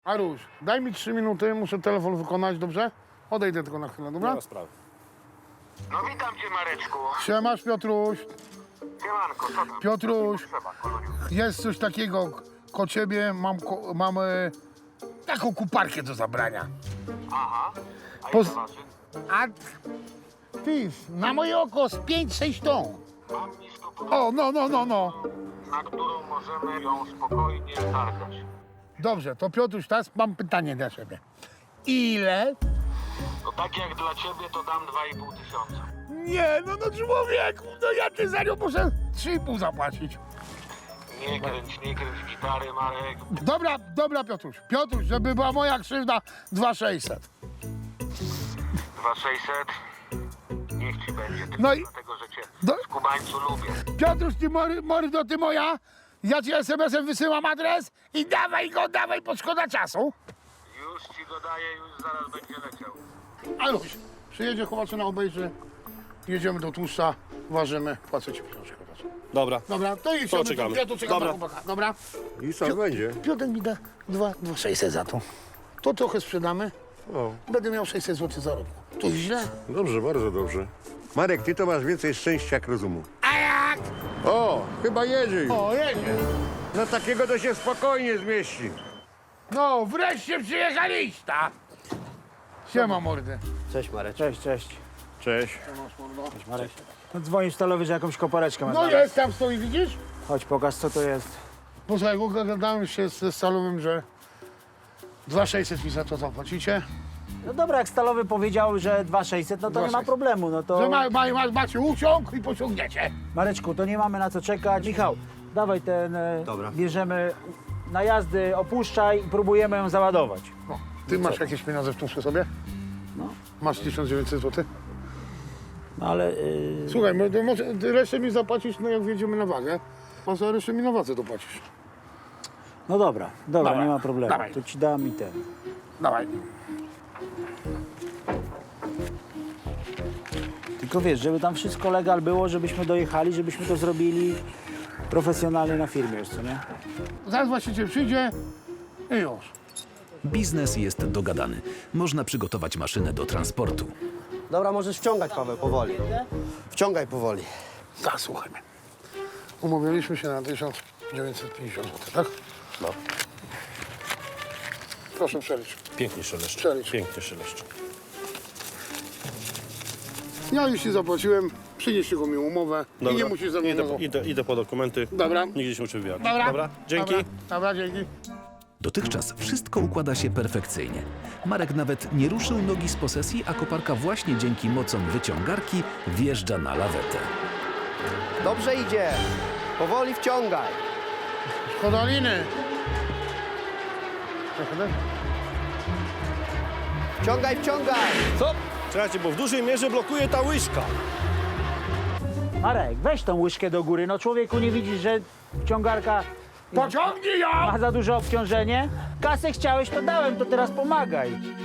Aruś, daj mi 3 minuty, muszę telefon wykonać, dobrze? Odejdę tylko na chwilę, Nie dobra? ma sprawy. No witam cię, Mareczku. Siemasz, Piotruś. Siemanko, co tam? Piotruś, Trzeba, koloniu. jest coś takiego ko ciebie, mam taką kuparkę do zabrania. Aha. A Poz- ile waży? A ty, na moje oko z 5-6 ton. Mam nisko pod... O, no, na którą możemy ją spokojnie targać. Dobrze, to Piotruś, teraz mam pytanie dla ciebie. Ile? No tak jak dla ciebie to dam 2,5 tysiąca. Nie, no człowieku, no ja ty za nią muszę 3,5 zapłacić. Nie kręć gitary, Marek. Dobra, Piotruś, żeby była moja krzywda, 2,600. 2,600. Niech ci będzie. Tylko No i- dlatego, że cię Do- w Kubańcu lubię. Piotruś, ty mordo, ty moja, ja ci SMS-em wysyłam adres i dawaj, bo szkoda czasu. Już ci go daję, już zaraz będzie leciał. Aluś, przyjedzie, Chowaczyna obejrzy, jedziemy do tłuszcza, ważymy, płacę ci pieniążek. Dobra. Dobra, to jedziemy, czekamy. ja tu czekam Dobra. na chłopaka. Dobra. I co będzie? Piotr mi da 2,600 za to. To trochę sprzedamy, O, będę miał 600 zł zarobku. To źle? dobrze, bardzo dobrze. Marek, ty to masz więcej szczęścia jak rozumu. A jak? O, chyba jedzie już. O, jedzie. No takiego to się spokojnie zmieści. No, wreszcie przyjechaliście. Siema, mordy. Cześć Marek. Cześć. Cześć. Marek. No dzwonisz stalowy, że jakąś kopareczkę ma No znaleźć. jest, tam stoi, widzisz? Chodź, pokaż co to jest. Posłuchaj, gadałem się ze Stalowym, że 2,600 mi za to zapłacicie. No dobra, jak stalowy powiedział, że 2,600, no to nie ma 2,600. problemu, no to... Że macie uciąg i pociągniecie. Mareczku, to nie mamy na co czekać. Michał, dawaj ten... Dobra. Bierzemy na jazdy, opuszczaj i próbujemy ją załadować. No, ty masz jakieś pieniądze w tłuszczu sobie? No. Masz 1900 zł? No ale... Słuchaj, może resztę mi zapłacisz, no jak wjedziemy na wagę. A za resztę mi na wadze dopłacisz. No dobra, Dawaj, nie ma problemu. dawaj. To ci dam i ten. Dawaj. Tylko wiesz, żeby tam wszystko legal było, żebyśmy dojechali, żebyśmy to zrobili profesjonalnie na firmie już, co nie? Zaraz właściciel przyjdzie i już. Biznes jest dogadany. Można przygotować maszynę do transportu. Dobra, możesz wciągać, Paweł, powoli. Wciągaj powoli. Tak, słuchaj mnie. Umówiliśmy się na 1950 zł, tak? No. Proszę przeliczyć. Pięknie szeleszcz. Przelicz. Pięknie szeleszcz. Ja już ci zapłaciłem, przynieś tylko mi umowę i nie musisz ze mną... Idę po dokumenty. Dobra. Nigdzie się muszę wybierać. Dobra. Dzięki. Dobra, dzięki. Dotychczas wszystko układa się perfekcyjnie. Marek nawet nie ruszył nogi z posesji, a koparka właśnie dzięki mocom wyciągarki wjeżdża na lawetę. Dobrze idzie. Powoli wciągaj. Szkoda liny. Wciągaj. Co? Czekajcie, bo w dużej mierze blokuje ta łyżka. Marek, weź tą łyżkę do góry. No człowieku, nie widzisz, że ciągarka Pociągnij ją! ma za duże obciążenie? Kasę chciałeś, to dałem, to teraz pomagaj.